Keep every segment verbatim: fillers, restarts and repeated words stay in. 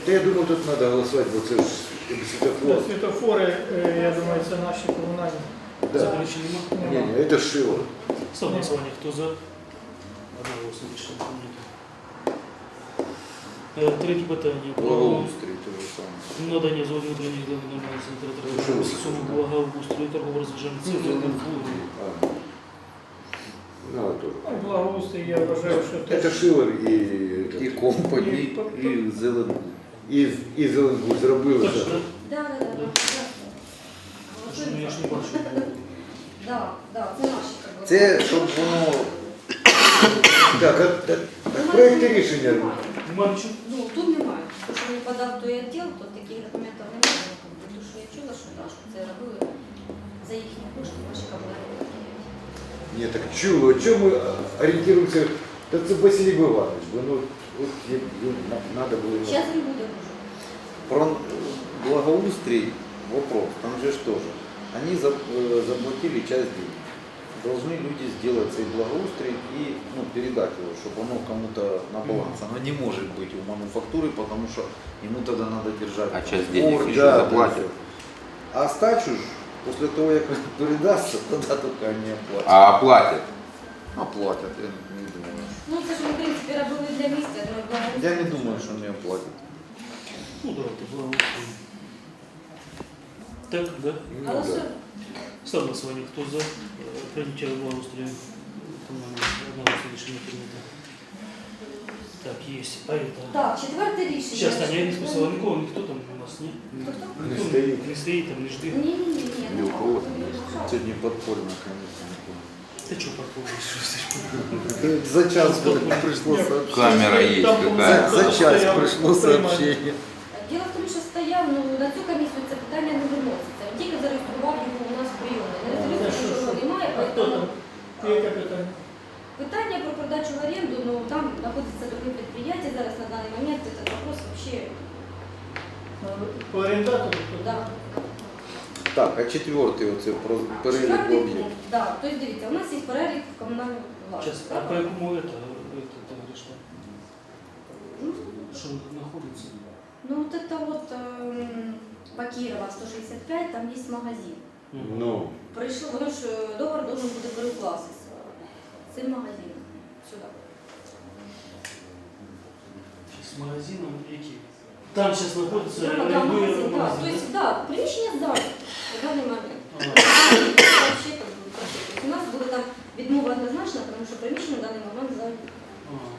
Та я думаю, тут треба голосувати, бо це ж світофор. Світофори, е, я думаю, це наші комунальні. Да. Заперечень нема? Ні, ні, це Шило. Ставлю на голосування. Хто за? Одноголосно рішення прийнято. Е, Третє питання. Про Благоустрій, те ж саме. надання згоди внутрішніх ділянок нормальної Ну, що санітарної ви суму сказали? благоустрою торгово-розважальних Ну, центрів. А. Ну, а то. Ну, благоустрій, я вважаю, що Це теж. Шило і, І компанії, і зелену. і, і Зеленбуд зробили. Точно, це. так? Да, да, да, да. Що ну, я ж не бачу. Да, да, це наші. как би. Це щоб воно Так, а, так, так проєкти рішення. Нема нічого? Ну, тут немає. Тому що не подав той відділ, то таких документів немає. Тому що я чула, що, да, що це робили за їхні кошти, наші комунальні. Ні, так чуло, чому ми орієнтуємося? Та це Василій Іванович, бо ну, от треба було. Зараз він буде вже. про благоустрій вопрос, там же ж тоже. Они за- э, заплатили часть денег. Должны люди сделать свой благоустрій и ну, передать его, чтобы оно кому-то на баланс. Оно не может быть у мануфактуры, потому что ему тогда надо держать. А часть двор, денег еще да, заплатят. А остачу ж, после того, как передастся, тогда только они оплатят. А оплатят? Оплатят, я не думаю. Ну, це ж ми, в принципі, робили для місця, але благоустрій. Я не думаю, что они оплатят. Ну, давайте, благоустрою. Так, да? Ну, Але да. що? Ставлю на голосування. Хто за? Е, Прийняття благоустрою комунального одноголосно рішення прийнято. Так, є. А это... Так, четверте рішення. Сейчас, Таня, я не списала нікого, ніхто там у нас, ні? Хто-хто? Не Ніхто стоїть. Не стоїть, там не жди. Ні, ні, ні, ні. Ні у кого. Сегодня подпольно, конечно. Ти чого паркуєш? За час пришло Ні, сообщение. Камера є Там какая? За, за час Стояв, пришло стояв. сообщение. Діло в тому, що стояв, ну, на цю комісію це питання не виноситься. Він тільки зареєстрував його у нас в прийомі. Не Це реєструється, що, що що? немає, А хто там? тому Яке питання? питання про продачу в оренду, ну, там знаходиться друге підприємство зараз на даний момент, це вопрос вообще, По орендатору? да. Так, а четвертый оце про перелік Четвертий об'єктів. пункт, да. Тобто, дивіться, у нас є перелік комунальної Сейчас, власності. а по якому это, это, ты говоришь, что? Что находится? Ну, вот это вот эм, по Кирова сто шестьдесят пять, там есть магазин. Ну, Прийшло, воно ж е, договор должен буде перекласти з цим магазином сюди. С магазином які? Там сейчас находится Прямо там рядовий магазин, да. магазин, То есть, да, приміщення здають на даний момент. Ага. Вообще, как бы, вообще. То есть у нас буде там відмова однозначна, тому що приміщення на даний момент здають. Ага.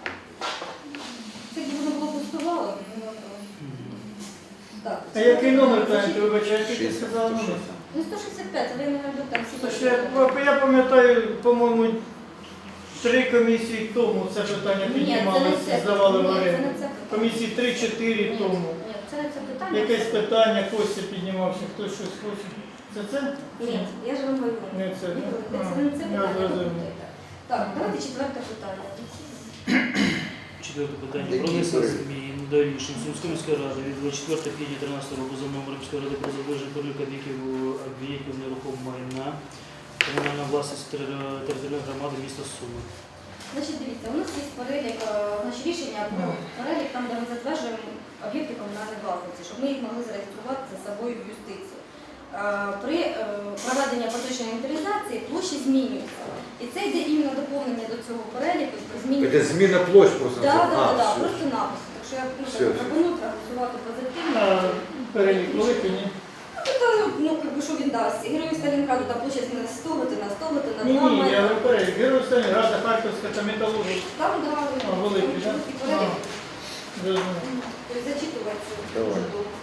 Це як воно було пустувало. ну, Мгм. Так. А який номер кажете, вибачайте, ти сказала номер? Ну, сто шістдесят п'ять, але я не знайду там всі. Це ж я, я пам'ятаю, по-моєму, три комісії тому це питання Ні, це не піднімалося, це. здавали в Ні, це оренду. не це питання. Комісії три-чотири Ні, тому. Ні, це не це питання. Якесь питання, Костя піднімався, хтось щось хоче. Це це? Ні, я ж вам говорю. Не це. Ні, А, це не це я питання. зрозумів. Так, давайте четверте питання. Четверте питання. Які Про внесення перелік? змін до рішень Сумської міської ради від двадцять четвертого квітня тринадцятого року за номером міської ради про затвердження переліку об'єктів об'єктів нерухомого майна комунальна власність тери- територіальної громади міста Суми. Значить, дивіться, у нас є перелік, е, значить, рішення про перелік, там, де ми затверджуємо об'єкти комунальної власності, щоб ми їх могли зареєструвати за собою в юстицію. Е, При е, проведенні поточної інвентаризації площі змінюються. І це йде іменно доповнення до цього переліку. це Змінюється. зміна площ просто. Так, А, так, так, все. просто напис. Так що я ну, Все, все. пропоную проголосувати позитивно. А перелік великий, ні? Ну, то, ну, как бы, що він дасть? Герої Сталінграду, там площа на сто, на сто, на Ні, два ні, я метри. говорю перелік. Герой Сталінграда, Харківська та металургія. Там, да, А, великий, там так? чіткий перелік. Зрозуміло. Тобто зачитувати. Давай.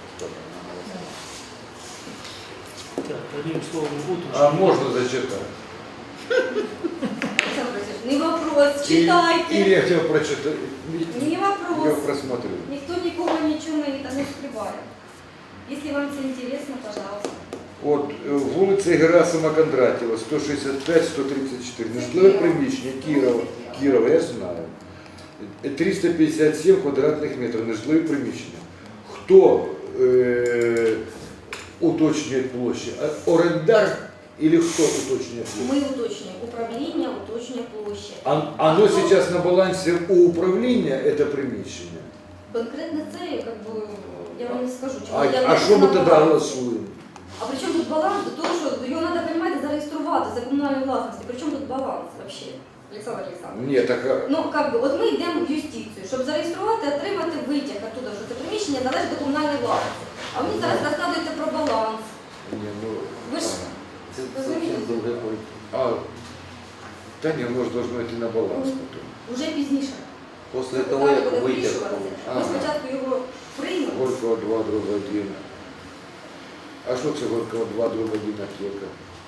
Так, одним словом, вот А можна зачитати? Олександр Васильович, не вопрос, Или читайте. я хотів прочитати. Не Я вопрос. просмотрю. Никто никого ничего не, не скрывает. Если вам это интересно, пожалуйста. От е, вулиця Герасима Кондратєва, сто шістдесят п'ять сто тридцять чотири. Нежитлове приміщення Кірова, Кірова, я знаю. триста п'ятдесят сім квадратних метрів, нежитлове приміщення. Хто е, уточнює площі? А орендар или хто уточнює площі? Мы уточним. Управление уточнее площадь. А, оно сейчас на балансі у управління, це приміщення? Конкретно це, как бы, я вам не скажу. чому А, я а не що ми на тоді баланс. голосуємо? А при чому тут баланс? До того, що його треба, розумієте, зареєструвати за комунальну власність. При чому тут баланс взагалі, Олександр Олександрович? Ні, так а, Ну, как би, от ми йдемо в юстицію, щоб зареєструвати, отримати витяг оттуда, що це приміщення належить до комунальної власності. А мені зараз розказується про баланс. ні, ну, Ви ж Это совсем другая политика. а, та ні, воно ж должно йти на баланс потім. вже пізніше. После Це этого питання буде вытяг. вирішуватися. Ми Ага. спочатку його приймемо. Горького два, дроб один. А що це Горького два, дроб один аптека?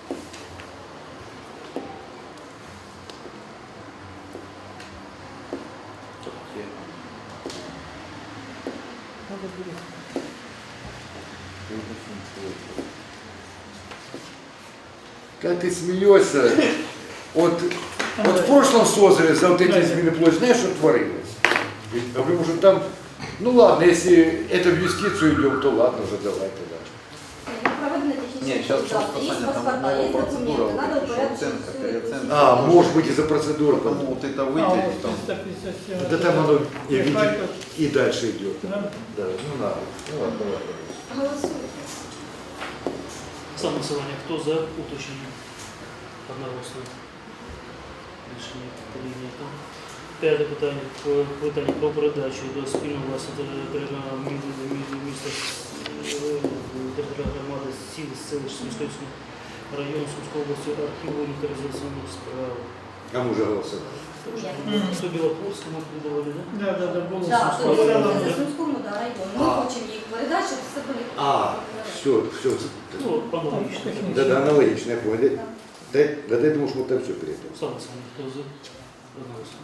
Та ти смієшся. От, от в прошлом созыве за вот эти измены площадь, знаешь, что творилось? Ведь, потому что там, ну ладно, если это в юстицию идем, то ладно уже, давай тогда. Ну, проведення технічних Нет, сейчас консультацій. просто, Є Саня, там паспорта, є новая процедура, документи, треба вот эта, что упорядочити оценка, всю переоценка. А, может быть, из-за процедуры. Потому вот это А, вытяг, вот там, триста пятьдесят семь. Да там оно и, Е, видит, Харьков. и дальше идет. Да? Да, ну надо. Ну ладно, ладно. Голосуйте. Саме голосування. Хто за уточнення? Одноголосно. Рішення прийнято. П'яте питання. Про- Питання про передачу до спільного власного територіального міста територіальної громади сіл селищ Сумського району Сумської області архіву інвентаризаційних справ. А мы уже голосовали. Ні. Хто Білопольському віддавали, да? Да, да, да, було. Так, Сумського то району, це да? за Сумському да, району. Ми А. хочемо їх передати, щоб все були. А, все, все. Ну, аналогічно. технічно. Да, да, аналогично, я понял. Да, да, да, я думал, что мы там все перейдем. Саме саме, хто за? Одноголосно.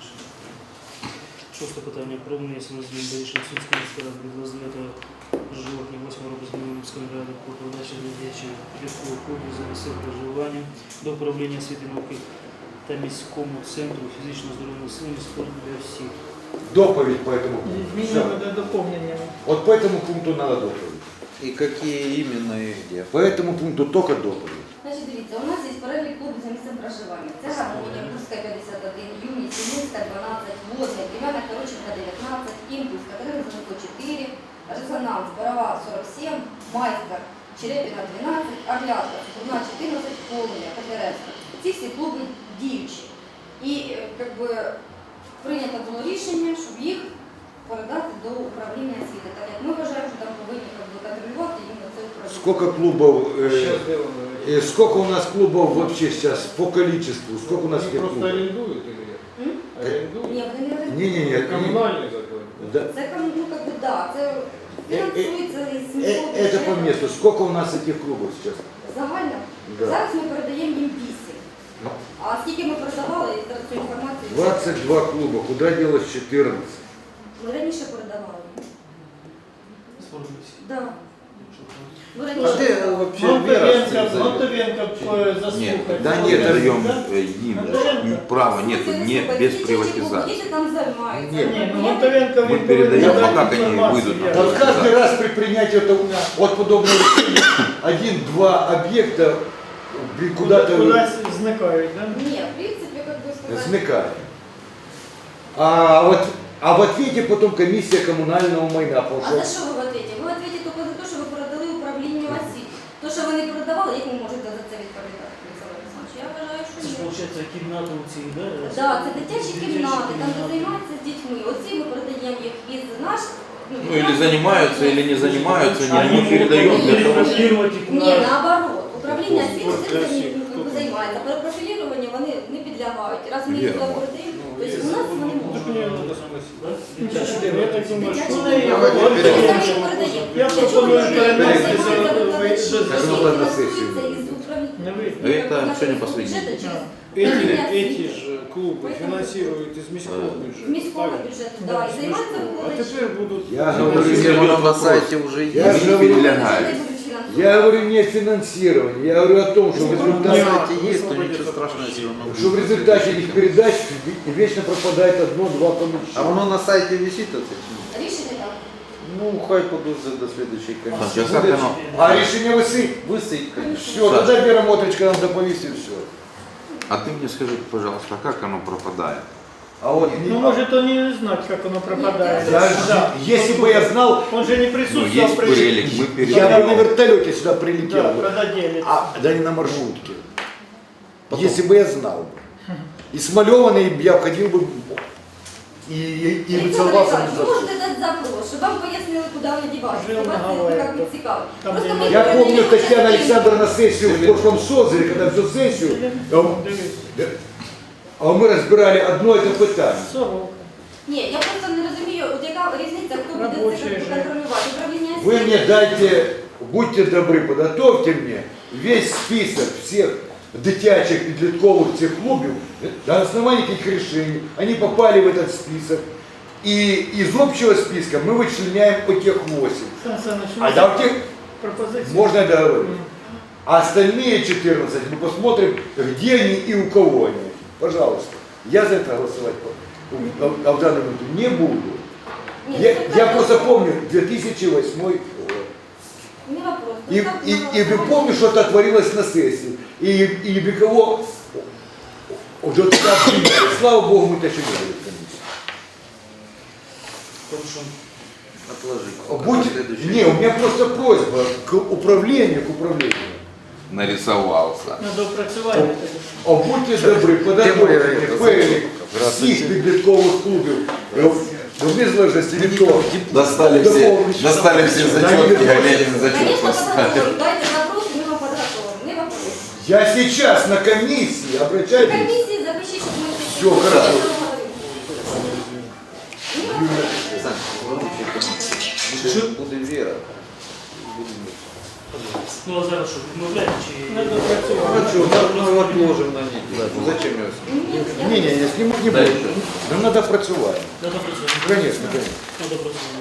Шосте питання про внесення змін до рішення Сумської міської ради від двадцять дев'ятого жовтня восьмого року зміни міської ради про передачу дитячої підліткової коду за місцевим проживанням до управління освіти і науки та міському центру фізичного здоров'я населення спорту для всіх. Доповедь по этому пункту. Змінюємо Всё. до доповнення. Вот по этому пункту надо доповедь. и какие именно и где. По этому пункту только доповедь. Значить, дивіться, у нас є перелік клубів за місцем проживання. Це Гармонія, Курська п'ятдесят один, Юність, Сімінська дванадцять, Водна, Кремяна Короченка дев'ятнадцять, Імпульс, Катерина Занко чотири, Резонанс, Борова сорок сім, Майстер, Черепіна дванадцять, Орлятка, Цукурна чотирнадцять, Полум'я, Котляревська. Ці всі клуби діючі. І е, как би, прийнято було рішення, щоб їх передати до управління освіти. Так як ми вважаємо, що там повинні как би, контролювати іменно це управління. Сколько клубов, э, э, сколько у нас клубов вообще сейчас по количеству? Сколько у нас Они этих просто клубов? арендуют или нет? М? Арендуют? Ні, вони не орендують. Не-не-не. Коммунальный закон. Да. Це кому, ну, как бы, да, це фінансується із Э, міського Это по бюджету. месту. Сколько у нас этих клубов сейчас? Загально. Да. Зараз ми передаємо їм вісім. Ну. А скільки ми передавали, я зараз цю інформацію. двадцать два клуба. Куда делось четырнадцать? Ми раніше передавали. Спорту для всіх. Да. Ми А раніше ты передавали. вообще Вера Монтовенко, зовет? Монтовенко э, заслухать. Да Что нет, это, даем да? э, им Монтовенко. права нету, Слухайте, не слухайте, без ці чечі приватизации. Діти там займаються. Ні, Не, ну Ні. Монтовенко Мы він передаем, повинен а как дати они інформацію, выйдут? я- Вот каждый раз при принятии этого, от подобного решения один-два объекта блин, куда-то Кудись зникають, да? Ні, в принципі, як би сказати. смекает. А вот а в ответе потом комиссия коммунального майна. Потому А что за що ви в ответе? Ви в ответе тільки за те, що ви передали управлінню освіти. То, що ви не передавали, як ви можете за це відповідати, Олександр Олександрович? Я вважаю, що Це ж, ні. виходить, кімната у цій, да? Да, це дитячі кімнати, там де кімнати. займаються з дітьми. Оці ми передаємо їх із наш. Ну или занимаются, или не занимаются, А не они мы передаем могут для того, чтобы... перепрофилировать их Ні, на... наоборот. Управління освіти Вот цим для всіх, займі- хто там? займається. Перепрофілювання вони не підлягають. Раз ми їх Віра, туди може. передаємо, Ну, тобто если у нас он- вони ну, можуть. так мне надо спросить. Да? Дитячі Дитячі Я так думаю, що Дитячі вони кімнати. Давайте Ми перейдемо. самі їх передаємо. Я Для чого пропоную ми перенести передаємо? за- Передати, що за- за- діти за- на фінансуються сесію. із управління. Не ви. Ну, Это как бы сегодня нашего последний. бюджета через Эти, управління эти освіти. же клубы финансируют из міського Э, бюджета. З міського правильно? бюджету, да, і займаються А викладачі. теперь будут... Я Ну, говорю, если я, оно на сайте уже Я есть. же не говорю, перелягает. я говорю не о финансировании, я говорю о том, что в На результате, сайте есть, то ничего страшного, если оно что в результате этих передач вечно пропадает одно-два А помещения. оно на сайте висит это? Рішення там. Ну, хай подождет до следующей комиссии. Сейчас как оно? А решение высыть. Высыть, конечно. Все, тогда Вера Мотричка нам доповесть и все. А ты мне скажи, пожалуйста, как оно пропадает? А вот Ну, может, он не знать, как оно пропадает. я, Да. если бы я знал, Он же не Ну, присутствовал есть при... перелик, мы я бы на перелик. вертолете сюда прилетел Да, бы. когда делится. А, да не на маршрутке. Если бы я знал бы. И смалеванный я входил бы и, и, и Олександр выцеловался. Олександрович, ви можете дати запрос, щоб вам пояснили, куди вони діваються. Жил Вас на це Гавайях, як би цікаво. там, Просто де ми Я помню, передаємо Татьяна частину. Александровна сессию в прошлом созыве, когда всю сессию, а м- Дивись. а мы разбирали одно это питание. Сорока. Ні, я просто не розумію, от яка різниця, хто буде Робочий це режим. контролювати. Управління Вы освіти. мне дайте, будьте добры, подготовьте мне весь список всех дитячих підліткових цих клубів, на основании каких решений они попали в этот список. И из общего списка мы вычленяем по тех восемь. Сан Саныч, А да, у тех пропозиція. можно договорить. А остальные четырнадцать мы посмотрим, где они и у кого они. Пожалуйста. Я за это голосовать а, а в данный момент не буду. Ні, Я, це я правильно. просто помню две тысячи восьмой год. Не вопрос. И, Ну, и, так, и ну, вы помните, что это творилось на сессии. И, и без кого... Вот это обвинили. Слава Богу, мы это еще делали в комиссии. Хорошо. Отложить. Будьте... Следующий. Не, у меня просто просьба к управлению, к управлению. Нарисовался. На доопрацювання тоді. А будьте добрі, подготовьте перелік всіх підліткових клубів в незалежності від того. Достали все, достали все зачетки, а Ленин зачет Конечно, поставил. подготовим. Дайте запрос, ми вам подготовим. Не вопрос. Я сейчас на комиссии, В обращайтесь. комиссии запишіть, щоб ми Всё, хорошо. Сань, следующий комментарий. Буде Вера. Ну, а зараз що, відмовляєте чи... На доопрацювання. Ну что, мы отложим на неделю. Ну зачем ее? Не, не, не, снимать не буду. Нам надо працювати. На доопрацювання. Конечно, конечно. На доопрацювання.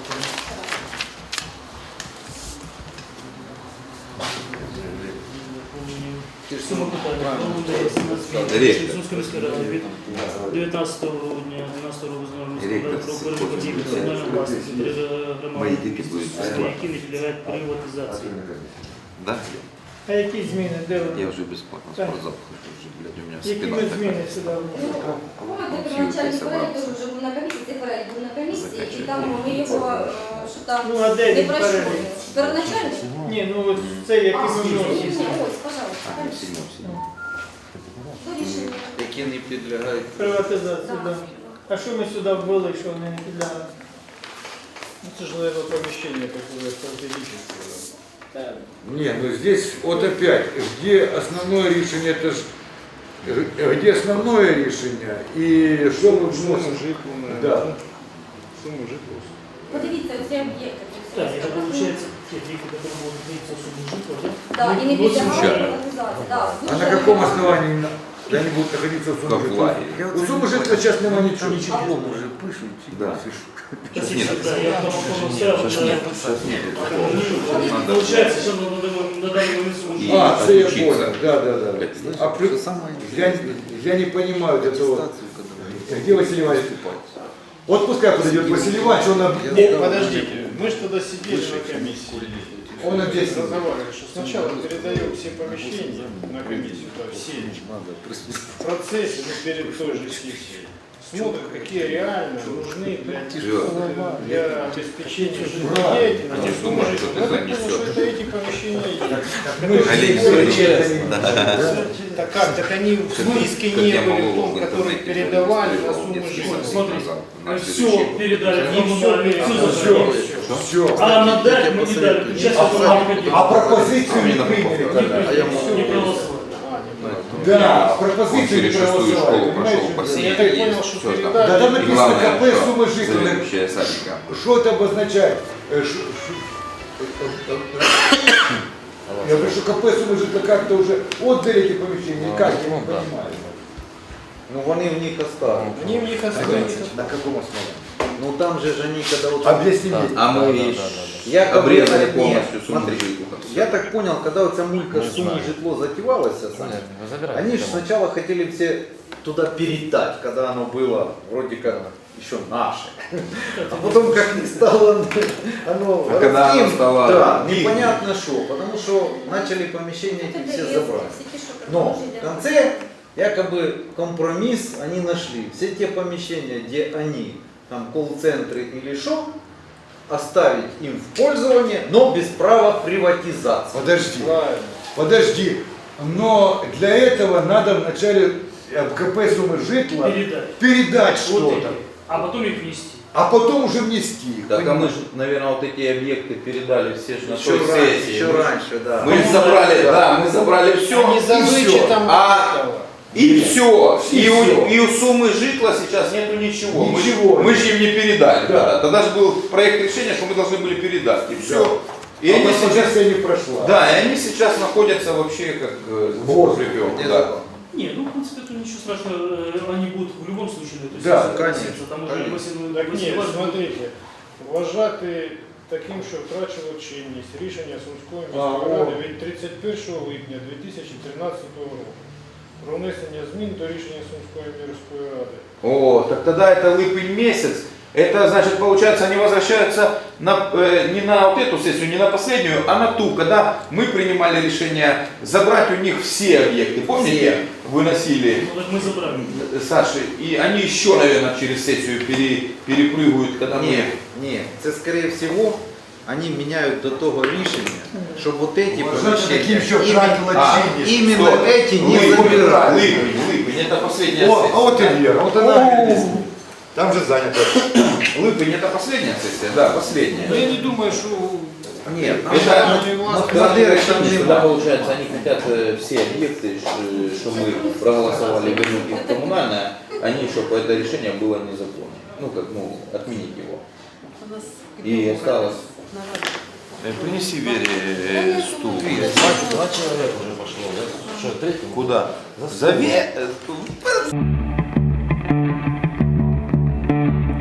Сума питання. Ректор. Сумської міської ради від дев'ятнадцятого грудня дванадцятого року з Ректор про перелік подій національної власності громади, Мои дети будут які не підлягають приватизації. Да? А які зміни? Де Я вони? уже бесплатно в спортзал хожу, уже, блядь, у меня Які спина ми такая. зміни сюди вносимо? Помните, первоначальний перелік теж вже був на комісії, цей перелік був на комісії, і там ми його, е, що там, Ну, а де не він пройшли. перелік? Первоначальний? Ні, ну от це А, які ми ні, ні, вносимо. ось, пожалуйста. А, в седьмом, в седьмом. До рішення. Які не підлягають. Приватизацію, Да. так. А що ми сюди ввели, що вони не підлягають? Ну, это же, наверное, помещение такое стратегическое. Не, ну здесь вот опять, где основное решение, это ж, где основное решение и что мы вносим. Да. Сумму житло. Подивіться, оці об'єкти. Так, это получается те деньги, которые будут находиться в сумме житла, да? Да, і не Ну, підлягають звичайно. приватизації. Да, А дуже на каком багато. основании на- они будут находиться в Как сумме в житла? лагере. У суммы житла сейчас нема ничего. Диплом уже пишут. Да. Сейчас нет. Да, я там Сейчас все нет. Сейчас нет. Надо. Получается, что на данный на данный момент сумма И житла. А, це я отучиться. понял, да, да, да. А плюс, я, я не понимаю вот этого. Где Василий Иванович? Вот пускай подойдет Василий Иванович, он, об- Нет, подождите, мы же тогда сидели на комиссии. он объяснил. Разговаривали, что сначала передаем все помещения на комиссию, то есть все в процессе, ну, перед той же сессией. Смотрят, какие реально нужны для, для обеспечения жизнедеятельности. Я думаю, что ты Я так понял, занесешь. что это эти помещения есть. Мы же Олег не говорим, Юрьевич, да. Так как? Так они в списке Как не я были могу в том, в который интернете передавали на зарегистрировал сумму несколько жизни. дней Смотри, назад. На Мы следующий все год. передали в Не коммунальные, всё, все Все, закрыли. все. А надать мы не дали, часть А, этого не хотели. а пропозицию не Именно приняли попробуй. тогда. Не приняли, не проголосовали. Да, Он пропозицию не через шестую проголосовали, школу прошел, понимаете? бассейн Я так есть, понял, что всё там. передали. Да там И написано главное, КП что суммы жителя. заведующая садика. Что это обозначает? Э, ш- ш- Я говорю, что КП суммы жителя как-то уже отдали эти помещения, или как, я не понимаю. Ну вони в них оставили. Они в них остались. На каком основании? Ну там же же они когда вот... Объясни мне. А мы Я как обрезали бы- полностью Нет, сумму смотри, житла. Я так понял, когда вот эта мулька с суммой житло затевалась, они же сначала хотели все туда передать, когда оно было вроде как еще наше. А потом как не стало оно А когда оно городским, стало да, их. непонятно что, потому что начали помещения эти все забрать. Но в конце Якобы компромисс они нашли. Все те помещения, где они, там колл-центры или шо, оставить им в пользование, но без права приватизации. Подожди, Правильно. подожди. Но для этого надо вначале в КП суммы житла Передать. передать Вот что-то, эти. А потом их внести. а потом уже внести их. Так, а мы понимаешь? же, наверное, вот эти объекты передали все же на Еще, той раньше, сессии. еще Мы- раньше, да. Мы забрали, да, мы забрали все. Они за вычетом А- этого. И все. И И, у, всё. и у суммы житла сейчас нету ничего. Мы- Ничего. Мы, же им не Да. передали. тогда. Тогда же был проект решения, что мы должны были передать. И все. Да. И А они сейчас, пропозиция не прошла. да, и они сейчас находятся вообще как э, В Бог воздухе. припёк, Где да. закон? Не, ну в принципе тут ничего страшного, э, они будут в любом случае на эту Да, сессию конечно, относиться. Там уже конечно. Василий Так ні, Васильович буде- смотрите, вважати таким, що втрачило чинність рішення Сумської А, міської о. ради від тридцять першого липня дві тисячі тринадцятого року про внесення змін до рішення Сумської міської ради. О, так тогда это липень месяц. Это значит, получается, они возвращаются на, э, не на вот эту сессию, не на последнюю, а на ту, когда мы принимали решение забрать у них все объекты. Помните, Все. выносили Ну так мы забрали. э, Саши, и они еще, наверное, через сессию пере, перепрыгивают, когда мы... Ні, ні, це скорее всего они меняют до того рішення, щоб вот эти Вважати таким, помещения що іменно- втратила А, чинність. именно Стоп. эти не Липень, забирают. Липень, Липень, это последняя О, сессия. а вот и Вера, вот она говорит, там же занято. Липень, это последняя сессия? Да, последняя. Ну я не думаю, що Нет, нам Это- надо- власть- нам квартиры там Тогда нема. получается, они хотят э, все объекты, ш- что мы проголосовали вернуть их в коммунальное, они, чтобы это решение было незаконно. Ну, как, ну, отменить его. И осталось... Принеси Вере стул. Два человека уже пошло, да? Что, третий? Куда? За За стол. Ве-